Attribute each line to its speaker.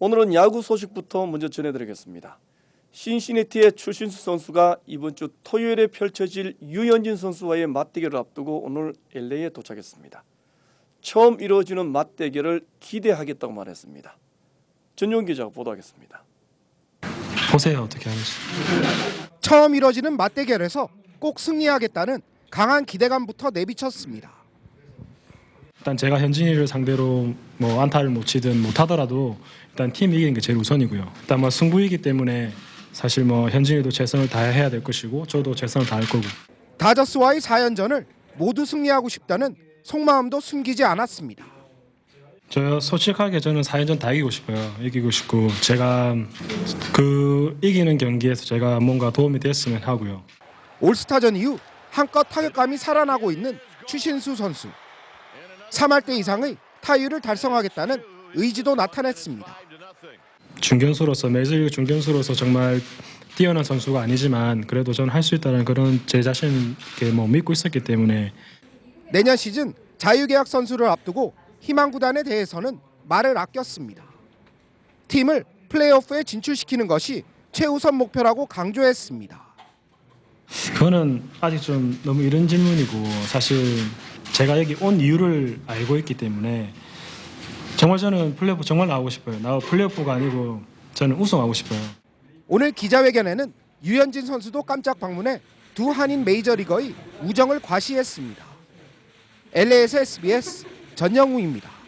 Speaker 1: 오늘은 야구 소식부터 먼저 전해드리겠습니다. 신시내티의 추신수 선수가 이번 주 토요일에 펼쳐질 유현진 선수와의 맞대결을 앞두고 오늘 LA에 도착했습니다. 처음 이루어지는 맞대결을 기대하겠다고 말했습니다. 전용 기자가 보도하겠습니다.
Speaker 2: 보세요, 어떻게 하는지.
Speaker 3: 처음 이뤄지는 맞대결에서 꼭 승리하겠다는 강한 기대감부터 내비쳤습니다.
Speaker 2: 일단 제가 현진이를 상대로 뭐 안타를 못 치든 못하더라도 일단 팀 이기는 게 제일 우선이고요. 일단 뭐 승부이기 때문에 사실 뭐 현진이도 최선을 다해야 될 것이고 저도 최선을 다할 거고.
Speaker 3: 다저스와의 4연전을 모두 승리하고 싶다는 속마음도 숨기지 않았습니다.
Speaker 2: 저 솔직하게 저는 4연전 다 이기고 싶어요. 이기고 싶고 제가 그 이기는 경기에서 제가 뭔가 도움이 됐으면 하고요.
Speaker 3: 올스타전 이후 한껏 타격감이 살아나고 있는 추신수 선수. 3할 대 이상의 타율을 달성하겠다는 의지도 나타냈습니다.
Speaker 2: 중견수로서 메이저리그 중견수로서 정말 뛰어난 선수가 아니지만 그래도 저는 할 수 있다는 그런 제 자신을 뭐 믿고 있었기 때문에.
Speaker 3: 내년 시즌 자유계약 선수를 앞두고 희망 구단에 대해서는 말을 아꼈습니다. 팀을 플레이오프에 진출시키는 것이 최우선 목표라고 강조했습니다.
Speaker 2: 그거는 아직 좀 너무 이른 질문이고 사실 제가 여기 온 이유를 알고 있기 때문에 정말 저는 플레이오프 정말 나오고 싶어요. 플레이오프가 아니고 저는 우승하고 싶어요.
Speaker 3: 오늘 기자회견에는 유현진 선수도 깜짝 방문해 두 한인 메이저리거의 우정을 과시했습니다. LA에서 SBS 전영우입니다.